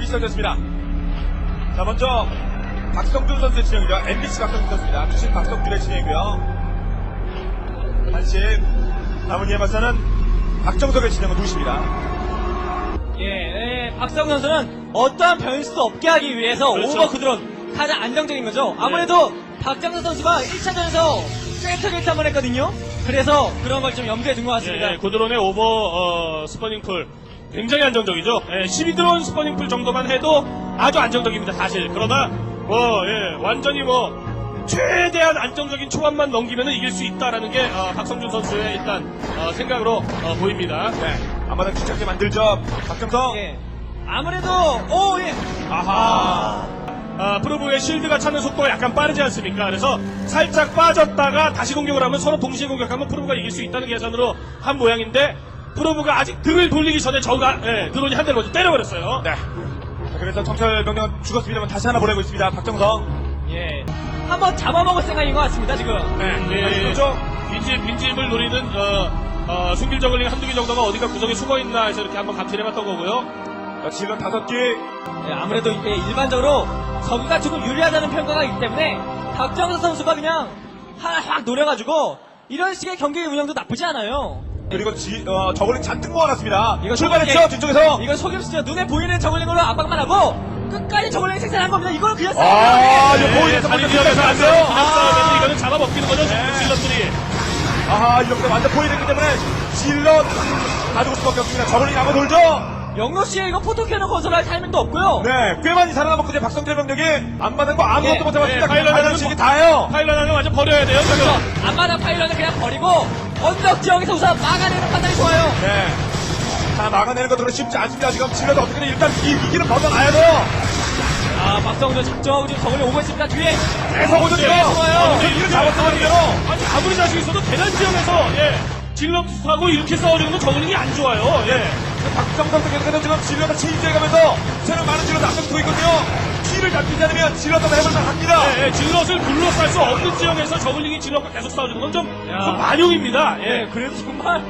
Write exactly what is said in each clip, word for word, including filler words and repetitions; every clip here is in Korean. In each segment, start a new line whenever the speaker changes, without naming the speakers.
시작됐습니다. 자, 먼저 박성준 선수의 진영이죠. 엠비씨 박성준 선수입니다. 주신 박성준의 진영이고요. 한시 남은 이에 맞서는 박정석의 진영은 누구십니다.
예, 예, 박성준 선수는 어떠한 변수도 없게 하기 위해서
그렇죠.
오버 구드론 가장 안정적인 거죠. 아무래도 박정석 선수가 일 차전에서 센터 게이트 한번 했거든요. 그래서 그런 걸 좀 염두에 둔 것 같습니다.
예, 고드론의 오버 어, 스퍼닝풀 굉장히 안정적이죠. 예, 십이 드론 스퍼닝풀 정도만 해도 아주 안정적입니다, 사실. 그러나 뭐 예, 완전히 뭐 최대한 안정적인 초반만 넘기면 이길 수 있다라는 게 어, 박성준 선수의 일단 어, 생각으로 어, 보입니다.
네. 앞마당 집착게 만들죠. 박정석.
예. 아무래도 오 예.
아하.
아, 프로브의 실드가 차는 속도가 약간 빠르지 않습니까? 그래서 살짝 빠졌다가 다시 공격을 하면 서로 동시에 공격하면 프로브가 이길 수 있다는 계산으로 한 모양인데 프로브가 아직 등을 돌리기 전에 저가 예, 드론이 한 대를 먼저 때려버렸어요.
네. 자, 그래서 청철 병력은 죽었습니다만 다시 하나 보내고 있습니다. 박정석.
예. 한번 잡아먹을 생각인 것 같습니다, 지금.
네.
예,
그렇죠.
빈집, 빈집을 노리는 어, 어, 숨길 저글링 한두 개 정도가 어디가 구석에 숨어있나 해서 이렇게 한번 감시해봤던 거고요.
자, 질럿 다섯 개.
예, 아무래도 이게 일반적으로 저그가 조금 유리하다는 평가가 있기 때문에 박정석 선수가 그냥 하나 확 노려가지고 이런 식의 경기 운영도 나쁘지 않아요.
그리고 지, 어, 저글링 잔뜩 모아놨습니다.
이거
출발했죠,
저글링-
뒤쪽에서.
이거 속임수죠. 눈에 보이는 저글링으로 압박만 하고 끝까지 저글링 생산한 겁니다. 이거는 그냥
아,
싸움이에요.
이거 보이는
다리
먼저
지역에서 안 돼요.
끝까지
싸우면
아.
이거는 잡아먹히는 거죠,
네.
질럿들이.
아하, 이렇게 완전 보이기 때문에 질럿 가지고 수밖에 없습니다. 저글링 한번 돌죠.
영로 씨의 이거 포토캐논 건설할 타이밍도 없고요.
네, 꽤 많이 살아남았거든요. 박성재 병력이 안 맞은 거 아무것도
예,
못 잡았습니다.
예, 파일럿
파일럿
하나는
식이 다예요.
파일럿 하나 완전 버려야 돼요, 지금.
그래서 앞마당 파일런을 그냥 버리고 언덕 지역에서 우선 막아내는 판단이 좋아요.
네. 자, 막아내는 것도 쉽지 않습니다. 지금 질럿 어떻게든 일단 이 위기는 벗어나야 돼요.
아, 박성준 작정하고 지금 저글링 오고 있습니다. 뒤에
계속 오죠, 지금.
예,
좋아요.
어, 위기를 잡았거든요.
아니, 아무리 자신 있어도 대단 지역에서, 예, 질럿하고 이렇게 싸우려는 건 저글링이 안 좋아요, 예.
박정석도 계속해서 지금 질럿을 체인지해가면서 새로 많은 질럿 앞서고 있거든요. 키를 잡히지 않으면 질럿도 해볼만 합니다.
예, 예, 질럿을 둘러쌀 수 없는 지역에서 저글링이 질럿과 계속 싸워주는 건 좀,
야.
좀 만용입니다, 예.
네, 그래도 정말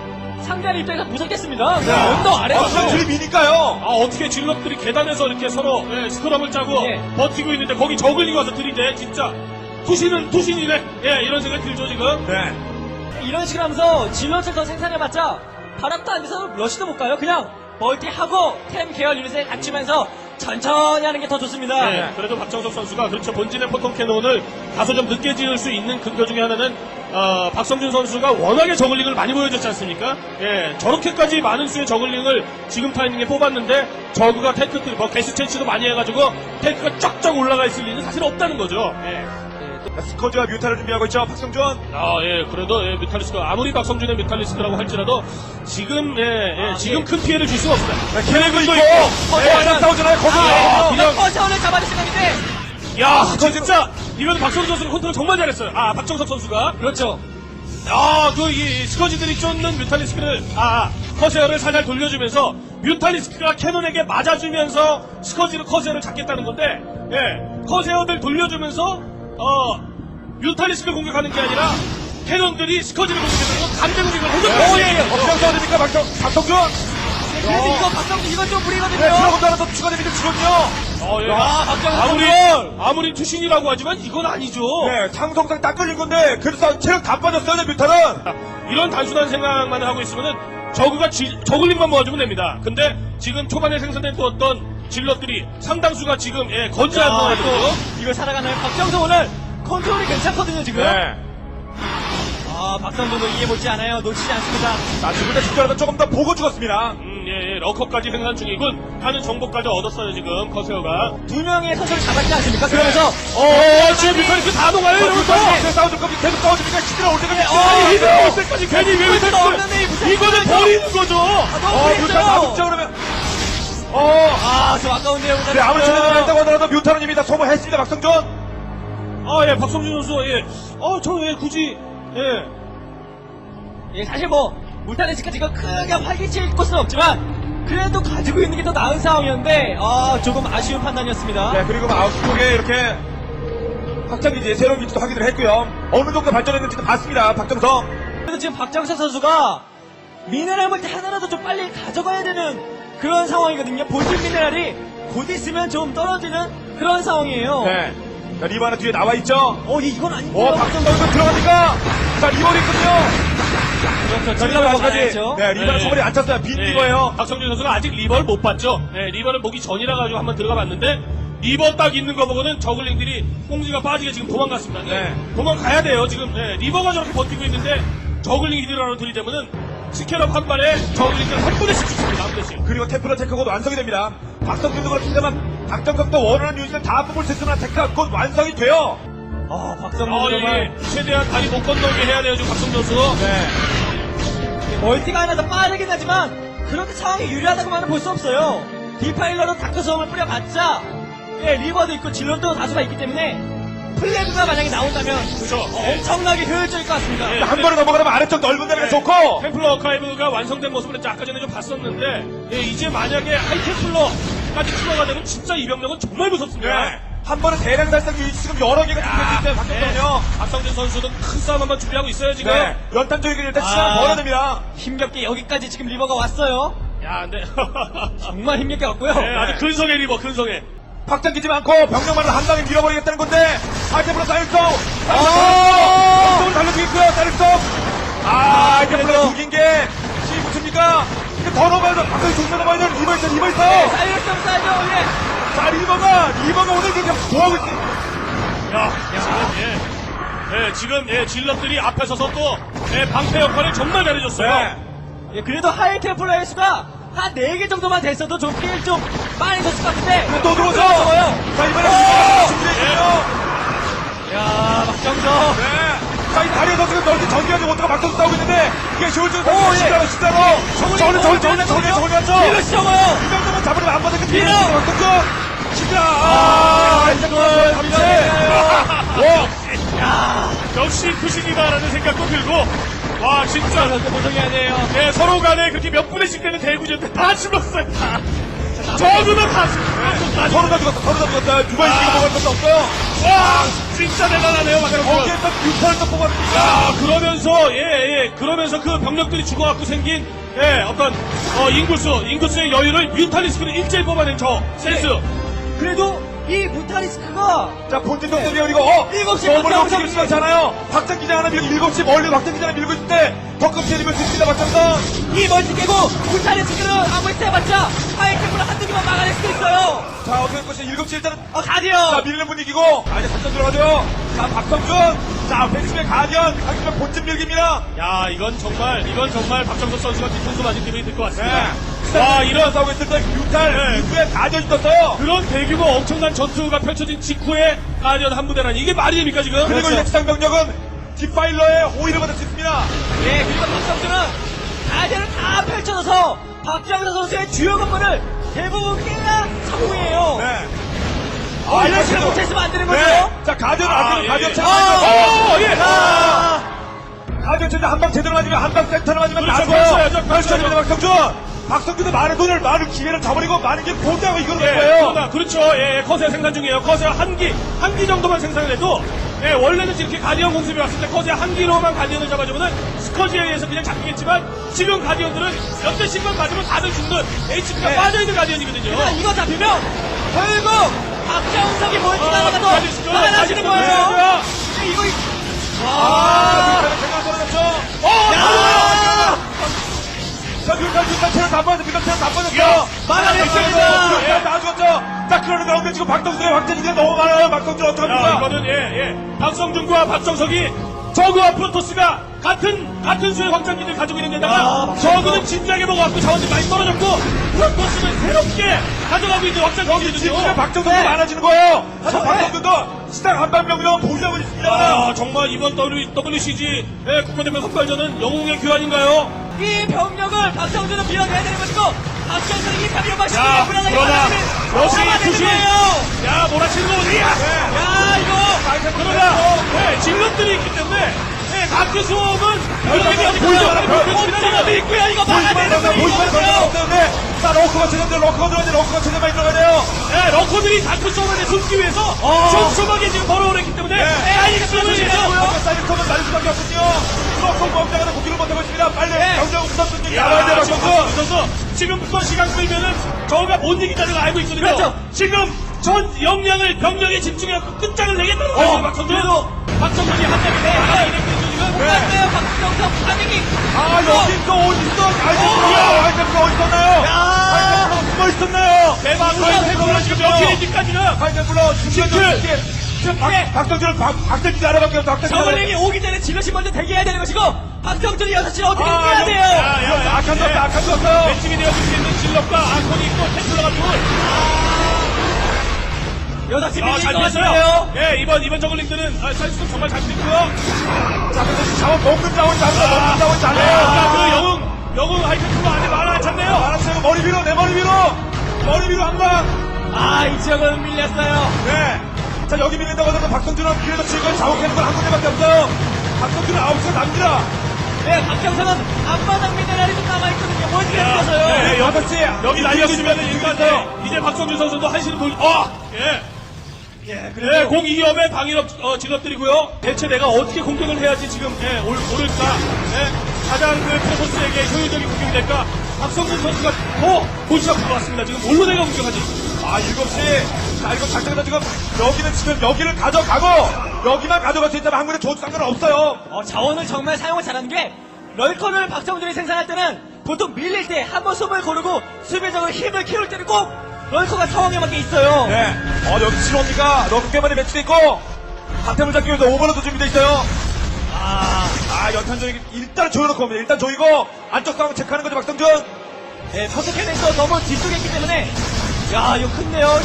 상대의 입장에서 무섭겠습니다. 그냥 언덕 아래서
아, 줄이 미니까요.
아, 어떻게 질럿들이 계단에서 이렇게 서로, 예, 스크럼을 짜고
예.
버티고 있는데 거기 저글링이 와서 들이대, 진짜. 투신은 투신이네, 예, 이런 생각이 들죠, 지금.
네.
이런 식으로 하면서 질럿을 더 생산해봤자 바람도 안 돼서 러시도 못 가요. 그냥 멀티하고 템 계열 유닛에 갖추면서 천천히 하는 게 더 좋습니다.
예, 그래도 박정석 선수가 그렇죠. 본진의 포통 캐논을 다소 좀 늦게 지을 수 있는 근거 중에 하나는 어, 박성준 선수가 워낙에 저글링을 많이 보여줬지 않습니까? 예, 저렇게까지 많은 수의 저글링을 지금 타이밍에 뽑았는데 저그가 탱크, 뭐 개수 채취도 많이 해가지고 탱크가 쫙쫙 올라가 있을 리는 사실 없다는 거죠. 예.
스커지와 뮤타를 준비하고 있죠. 박성준.
아, 예, 그래도, 예, 뮤탈리스크, 아무리 박성준의 뮤탈리스크라고 할지라도, 지금, 예, 예,
아,
지금
예.
큰 피해를 줄 수가 없습니다.
네, 계획도 있고.
어,
네, 완전 싸우잖아요. 거기.
아,
그냥-
그냥 커션을 잡아줄 생각인데
야, 진짜, 이건 박성준 선수가 컨트롤 정말 잘했어요. 아, 박정석 선수가.
그렇죠.
아, 그, 이, 스커지들이 쫓는 뮤탈리스크를, 아, 커세어를 살살 돌려주면서, 뮤탈리스크가 캐논에게 맞아주면서, 스커지로 커세어를 잡겠다는 건데, 예, 커세어들 돌려주면서, 어, 뮤탈리스크를 공격하는 게 아니라, 캐논들이 스커지를 공격해서 감정 공격을 해줬어요.
오, 예, 예. 어떻게 싸워됩니까, 박성, 박성준?
그래서
어.
이거 박성준 이건 좀 무리거든요.
네, 들어가고 나서 추가 데미지 주거든요.
어, 예.
아, 박정석
아무리,
선수.
아무리 투신이라고 하지만 이건 아니죠.
네, 상성상 딱 걸린 건데, 그래서 체력 다 빠졌어요, 네, 뮤타는.
이런 단순한 생각만 하고 있으면은 저그가 지, 저글링만 모아주면 됩니다. 근데 지금 초반에 생산된 어떤 질럿들이 상당수가 지금 예, 건재한
아,
상황이거든요.
또 이걸 살아가나요? 박정석 오늘 컨트롤이 괜찮거든요, 지금.
네.
아, 박성준도 이해 못지 않아요. 놓치지 않습니다.
자, 죽을 때 죽더라도 조금 더 보고 죽었습니다.
음, 예, 예, 러커까지 생산 중이군 하는 정보까지 얻었어요 지금 커세어가.
두 명의 선수를 잡았지 않습니까? 그러면서
어, 지금 뮤탈리스크 다 녹아요 이러면서.
계속 싸워줄 겁니다. 계속 싸워주니까 시들어 올 때까지.
아니 힘들어 올 때까지 괜히 왜
무슨
뮤탈리스크
없는데 이 무슨
이거는 버리는 거죠.
너무
어, 뮤타 다
그랬어요.
죽죠, 그러면. 어,
아, 저 아까운데요.
네, 아무리 체력이 있다고 하더라도 뮤타는 이미 다 소모했습니다, 박성준.
아, 예, 박성준 선수, 예, 어, 저 예, 굳이, 예.
예, 사실 뭐 울타리스크 지금 크게 활기칠 곳은 없지만 그래도 가지고 있는 게 더 나은 상황이었는데 아, 조금 아쉬운 판단이었습니다.
네, 그리고 아웃 쪽에 이렇게 확장기지 새로운 위치도 확인을 했고요. 어느 정도 발전했는지도 봤습니다, 박정석.
그래도 지금 박정석 선수가 미네랄 멀티 하나라도 좀 빨리 가져가야 되는 그런 상황이거든요. 본진 미네랄이 곧 있으면 좀 떨어지는 그런 상황이에요.
네. 자, 리버 하나 뒤에 나와 있죠.
어, 이- 이건 아닌데요.
오, 박정덕도 들어가니까. 자, 리버리 있군요.
그렇죠.
자,
질러가
리버까지.
잘했죠.
네, 리버는
네.
소머리 안 찼어요. 빈 리버예요.
박성준 선수가 아직 리버를 못 봤죠. 네, 리버를 보기 전이라 가지고 한번 들어가 봤는데 리버 딱 있는 거 보고는 저글링들이 꽁지가 빠지게 지금 도망갔습니다. 네.
네.
도망가야 돼요. 지금 네, 리버가 저렇게 버티고 있는데 저글링이 들어가는 들이대면은 스캐럽 한 발에 저글링들 한 분에씩 죽습니다. 한 분에씩.
그리고 템플러 테크가 완성이 됩니다. 박성준도 그렇습니다만 박정덕도 원하는 유닛을 다 뽑을 수 있으면 테크가 곧 완성이 돼요.
아, 박성준
아,
정말
예. 최대한 다리 못 건너게 해야 돼요. 지금 박성준 선수.
네.
멀티가 하나 더 빠르긴 하지만 그렇게 상황이 유리하다고만은 볼 수 없어요. 디파일러로 다크섬을 뿌려봤자 예, 리버도 있고 질럿도 다수가 있기 때문에 플래그가 만약에 나온다면
그렇죠.
어, 엄청나게 효율적일 것 같습니다.
예.
한 번에 넘어가면 아래쪽 넓은 데가
네.
좋고.
템플러 어카이브가 완성된 모습을 아까 전에 좀 봤었는데 예, 이제 만약에 하이템플러까지 추가가 되면 진짜 이 병력은 정말 무섭습니다.
네. 한 번에 대량 달성 유닛 지금 여러 개가 준비되어 있기 때문에 박정덕은요.
네. 박성준 선수는 큰 싸움 한번 준비하고 있어요 지금.
네. 연탄 조이기를 일단 시간을
아.
벌어야 됩니다.
힘겹게 여기까지 지금 리버가 왔어요.
야, 근데
정말 힘겹게 왔고요.
네, 아주 근성의 리버, 근성의.
확장기지 많고 병력만을 한 방에 밀어버리겠다는 건데 하이템플러 사일송
아!
을 달려주겠고요. 사일송 아 하이템플러 죽인 게 씨 붙습니까? 이게 더 넘어야 돼. 방송이 좀 넘어야 돼. 리버 있어 리버 있어.
사이언스 사이죠, 예.
자 리버가 리버가 오늘 지금 뭐하고 있지?
야, 지금, 예. 예, 지금, 예, 질럿들이 앞에 서서 또, 예, 방패 역할을 정말 잘해줬어요.
네.
예, 그래도 하이템플러의 수가 한 네 개 정도만 됐어도 좀 피해를 좀 많이 줬을 것 같은데
또 들어오죠.
들어와요.
자 이번에
오!
리버가 준비했군요.
야, 박정석.
네. 자, 이 다리에서 지금 넓게 전개하지 못하고 막상 싸우고 있는데, 이게 쇼울즈
오,
선수
예.
진짜로, 진짜로. 저는, 저는, 저는, 저는, 저는, 맞죠?
밀어 시험어요.
이 정도면 잡으려면 안 받을 것
밀어!
같은데, 막상 진짜, 아, 이제 그만, 잠시.
야,
역시 투신이다라는 생각도 들고, 와, 진짜.
보정해야 돼요.
예, 서로 간에 그렇게 몇 분의씩 되는 대구전인데 다 죽었어요, 다. 저주도 다 죽었어요.
서로 다 죽었어, 서로 다 죽었어. 두 번씩 이거 먹을 것도 없어요.
와, 진짜 대단하네요, 막상
거기에서 육 퍼센트 뽑았습니다.
야, 그러면서, 예, 예, 그러면서 그 병력들이 죽어갖고 생긴, 예, 어떤, 어, 인구수, 인구수의 여유를 뮤탈리스크를 일제히 뽑아낸 저, 센스.
그래도 이 무타리스크가
자, 본진 동점이 그리고, 어,
일곱 시
너무
박정석
넘치기 시작하잖아요. 박정기장 하나 밀고, 일곱 시 멀리 박정기장 하나 밀고 있을 때, 더 끔찍이 밀고 있습니다, 박정선.
이 멀티 깨고 무타리스크는 아무리 세봤자 하이템플러 한두 개만 막아낼 수도 있어요.
자, 어떻게 할 것이 일곱 시 일단은
어,
자,
가디언.
밀리는 분위기고, 아, 이제 작전 들어가죠. 자, 박성준. 자, 벤츠의 가디언. 강준영 본진 밀기입니다.
야, 이건 정말, 이건 정말 박정석 선수가 뒤통수 맞은 기분이 들 것 같습니다.
네.
와,
이런
이런,
싸우고 있을 때, 뮤탈,
네.
이후에 가디언이 떴어요.
그런 대규모 엄청난 전투가 펼쳐진 직후에 가디언 한 부대라니, 이게 말이 됩니까, 지금?
그리고
그렇죠.
이제 지상병력은 디파일러의 호의를 받을 수 있습니다.
예, 그리고 박성준은 가디언을 다 펼쳐져서 박정석 선수의 주요 건물을 대부분 깨야 성공이에요.
네.
어, 이런
이거
식으로
지금-
못했으면 안 되는 거죠?
네. 자, 가디언 안
아,
되면
예,
가디언
예.
체제.
어, 예.
아! 가디언 체제 한방 제대로 맞으면, 한방 센터를 맞으면
그렇죠,
나고요.
그렇죠, 그렇죠.
그렇죠, 박성준. 박성준도 많은 돈을, 많은 기회를 저버리고, 많은 게 보자고 이거는
예,
거예요.
그러나, 그렇죠. 예, 예, 커세 생산 중이에요. 커세 한 기, 한 기 정도만 생산을 해도, 예, 원래는 이렇게 가디언 공습이 왔을 때 커세 한 기로만 가디언을 잡아주면은 스커지에 의해서 그냥 잡히겠지만, 지금 가디언들은 몇 대씩만 맞으면 다들 죽는 에이치피가
네.
빠져있는 가디언이거든요.
그러니까 이거 잡히면 결국 박정석이 멀티가
아,
나가도
가디언
많아지는
가디언
거예요.
가디언.
근데 이거
아,
아,
뮤탈은 제대로 떨어졌죠.
어,
야,
자, 뮤탈, 뮤탈 체력 다 빠졌어, 뮤탈 체력 다 빠졌어.
야,
막아냈습니다.
뮤탈 다 죽었죠. 자, 그러는 가운데 지금 박성준의 확장기가 너무 많아요. 박성준
야,
어떡합니까?
이거는, 예, 예. 박성준과 박정석이 저그와 프로토스가 같은, 같은 수의 확장기를 가지고 있는 데다가
야,
저그는 진지하게 먹어갖고 자원이 많이 떨어졌고 프로토스는 새롭게 가져가고 있는
여기 지금
확장기거든요.
박정선이
네.
많아지는 거예요. 자,
네.
박정선도 시당 한방병이라고 보유하고 있습니다.
아, 정말 이번 더블유씨지 예, 국가대표 선발전은 영웅의 교환인가요?
이 병력을 박정준은 밀어내야 되는 것이고 박정준은 이 병력만
야,
시키면 불안하게
그러나
만들면
역시
막아내는
투신.
거예요.
야, 몰아치는 거 어디야?
야, 이거
그러나, 예, 질럿들이 있기 때문에, 예, 다크 수업은 병력이
보이지
보이죠.
마라, 보이지
옵저버도 있고요. 이거
보이지만
막아내는
않는
거예요.
보이지만 않는
이거요.
없는데 자, 러커가 제대로 러커가 들어가야 러커가 제대로 많이 들어가야 돼요.
예, 러커들이 다크 수업에 숨기 위해서 촘촘하게 지금 벌어오랬기 때문에,
네.
예, 아이가 수업을
아까 사이드컵은 날릴 수밖에 없군요. 러커 범장하는 공격을 못하고 있습니다. 빨리
네.
경장 우선 승리
야,
나와야 돼요,
지금
박성준.
박성준 선수 지금부터 시간 끌면은 저가 못 이긴다는 걸 알고 있거든요.
그렇죠.
지금 전 역량을 병력에 집중해서 끝장을 내겠다는
어,
거예요. 박성준.
그래도
박성준이 한 장에 네, 하나 이랬거든요. 지금.
못 갔어요. 박정석 반응이.
아, 여기 또 어딨어? 알겠어요. 알겠어요. 어딨었나요?
야.
알겠어요. 숨어 있었나요?
대박. 박성준이 지금 몇 킬인지까지는
알겠어요.
킬.
지금 박, 박성준은 박, 박성준이 알아밖에 없어. 박성준이
저글링이 오기 전에 질럿이 먼저 대기해야 되는 것이고 박정준이 여섯 시를 어떻게
아,
이겨야
여기-
돼요?
야, 야, 야.
악한 줬다, 악한 줬어요.
매칭이 되어줄 수 있는 질럿과 아콘이 있고 템플러가 둘.
여섯 시
아,
밀릴
잘
것
됐어요.
같은데요?
예, 이번, 이번 저글링들은 아, 사실상 정말 잘 됐고요.
자, 근데 자원 먹는 자원 잘해요. 먹는 자원
아,
잘해요.
그 영웅, 영웅 하이패트로 안에 많아졌네요.
알았어요. 머리 위로, 내 머리 위로. 머리 위로 한 방.
아, 이 지역은 밀렸어요.
네. 자, 여기 밀린다고 하더라도 박성준은 그래도 지금 자원캐는 건 한 군데밖에 없어요. 박성준은 아홉 시가 남깁니다.
네, 박정석은 앞마당 미네랄이 좀 남아있거든요. 멀티가
야,
있어서요.
네,
여섯 시.
여기 날렸으면 일단 네, 이제 박성준 선수도 한시를 돌, 아! 예.
예,
네, 공 이업에 방위업 어, 직업들이고요. 대체 내가 어떻게 공격을 해야지 지금 예, 올, 오를까? 예, 가장 그 프로토스에게 효율적인 공격이 될까? 박성준 선수가 더 본시가 들어왔습니다. 지금 뭘로 내가 공격하지?
아, 일곱 시. 자, 이거 작전에서 지금 여기는 지금 여기를 가져가고 여기만 가져갈 수 있다면 한 군데 줘도 상관없어요.
어, 자원을 정말 사용을 잘하는 게 럴커를 박정준이 생산할 때는 보통 밀릴 때 한 번 숨을 고르고 수비적으로 힘을 키울 때는 꼭 럴커가 상황에맞게 있어요.
네. 어, 여기 실업니까 너무 꽤 많이 배치돼 있고 하템을 잡기 위해서 오버로드 준비돼 있어요.
아,
아, 연탄조이 일단 조여놓고 옵니다. 일단 조이고 안쪽 상황 체크하는 거죠, 박성준.
네, 퍼스캐넨도 너무 뒤쪽에 있기 때문에 야, 이거 큰데요.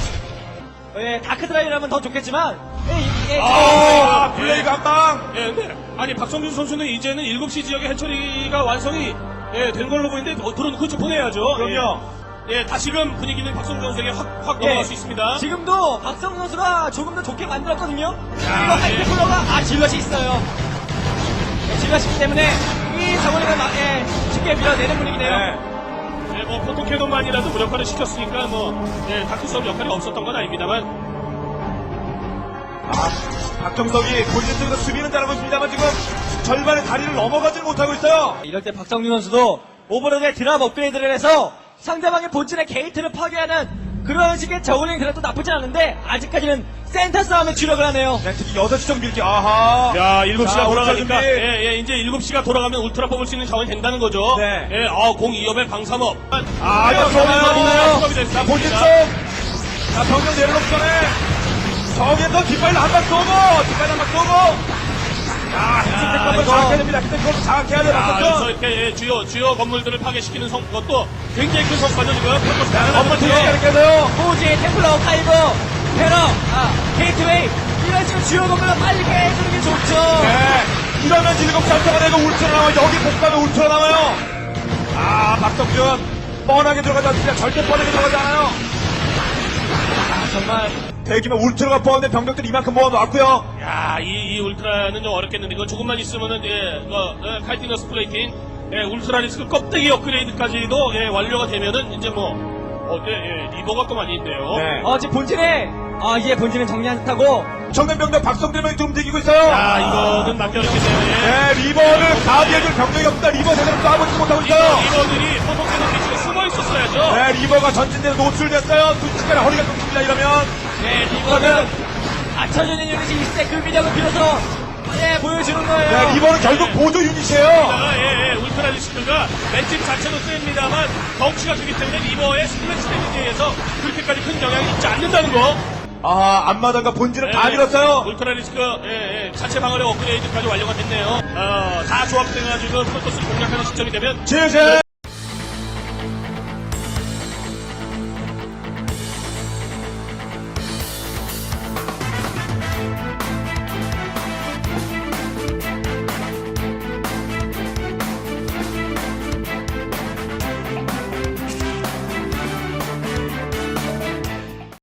예, 다크드라이라면 더 좋겠지만 예, 예,
아,
아,
예.
블레이가 한 방.
예, 근데 아니 박성준 선수는 이제는 일곱 시 지역의 해처리가 완성이 예, 된 걸로 보이는데 어, 들어놓고 좀 보내야죠.
그럼요.
예, 예, 다시금 분위기는 박성준 선수에게 확, 확
예,
넘어갈 수 있습니다.
지금도 박성 선수가 조금 더 좋게 만들었거든요.
야,
이거
예.
하이테플러가 아 질럿이 있어요. 네, 질럿이기 때문에 이 상원이가 막, 예, 쉽게 밀어내는 분위기네요.
네.
예, 뭐 포토캐논만이라도 무력화를 시켰으니까 뭐 예, 다크섬 역할이 없었던 건 아닙니다만
아, 박정석이 본진 쪽에서 수비는 잘하고 있습니다만 지금 절반의 다리를 넘어가지를 못하고 있어요.
이럴 때 박성준 선수도 오버로드에 드랍 업그레이드를 해서 상대방의 본진의 게이트를 파괴하는 그런 식의 저울링 드랍도 나쁘지 않은데 아직까지는 센터 싸움에 주력을 하네요.
네, 특히 여섯 시 정 밀기. 아하.
야, 일곱 시가
자,
돌아가니까,
울트라 준비.
예, 예, 이제 일곱 시가 돌아가면 울트라 뽑을 수 있는 자원이 된다는 거죠.
네.
예, 아, 공 이 업의 방삼업.
아, 이거
좋아요.
좋아요. 자, 본진 쪽. 자, 병력 내려놓기 전에 저기에서 뒷발로 한방 쏘고, 뒷발로 한방 쏘고. 야, 히트텍 한번
이거-
장악해야 됩니다. 히트텍 한번 장악해야 돼요.
아, 그래서
박성준.
이렇게 예, 주요, 주요 건물들을 파괴시키는 성, 것도 굉장히 큰 성과죠, 지금. 프로토스
자,
대단한
한번
거죠.
뒤에 이렇게 해서요.
호지, 템플러, 카이버, 테러, 아, 게이트웨이 이런 식으로 주요 건물을 빨리 깨주는 게 좋죠.
네. 이러면 일곱 시 알타가 되고 울트라 나와요. 여기 복가면 울트라 나와요. 아, 박성준. 뻔하게 들어가지 않습니다. 절대 뻔하게 들어가지 않아요.
아, 정말
대기면 울트라가 포함된 병력들 이만큼 모아놓았고요.
야, 이, 이 울트라는 좀 어렵겠는데, 이거 조금만 있으면은, 예, 어, 어, 칼티너스 플레이팅, 예, 울트라 리스크 껍데기 업그레이드까지도, 예, 완료가 되면은, 이제 뭐, 어, 네, 예, 리버가 또 많이 있네요.
네.
어, 지금 본진에 아, 이제 본진은 정리한 듯하고
정면 병력 박성준이 좀 움직이고 있어요.
야, 이거는 남겨놓겠네요, 예.
네, 리버를 가비해줄 병력이 없다. 리버 제대로 쏴보지도 못하고 있어요.
리버, 리버들이 포토캐논 뒤쪽에 숨어 있었어야죠.
네, 리버가 전진대로 노출됐어요. 순식간에 허리가 끊깁니다, 이러면.
네, 리버는 갖춰주는 유닛이 있을 때 그 위력을 빌어서 예, 보여주는 거예요.
네, 리버는 결국 보조 유닛이에요.
아, 예, 예, 울트라 리스크가 맷집 자체도 셉니다만 덩치가 크기 때문에 리버의 스플래시 데미지에 의해서 그렇게까지 큰 영향이 있지 않는다는 거.
아, 앞마당과 본진을 다
예,
밀었어요.
울트라 리스크, 예, 예, 자체 방어력 업그레이드까지 완료가 됐네요. 어, 다 조합돼가지고 프로토스를 공략하는 시점이 되면
제재!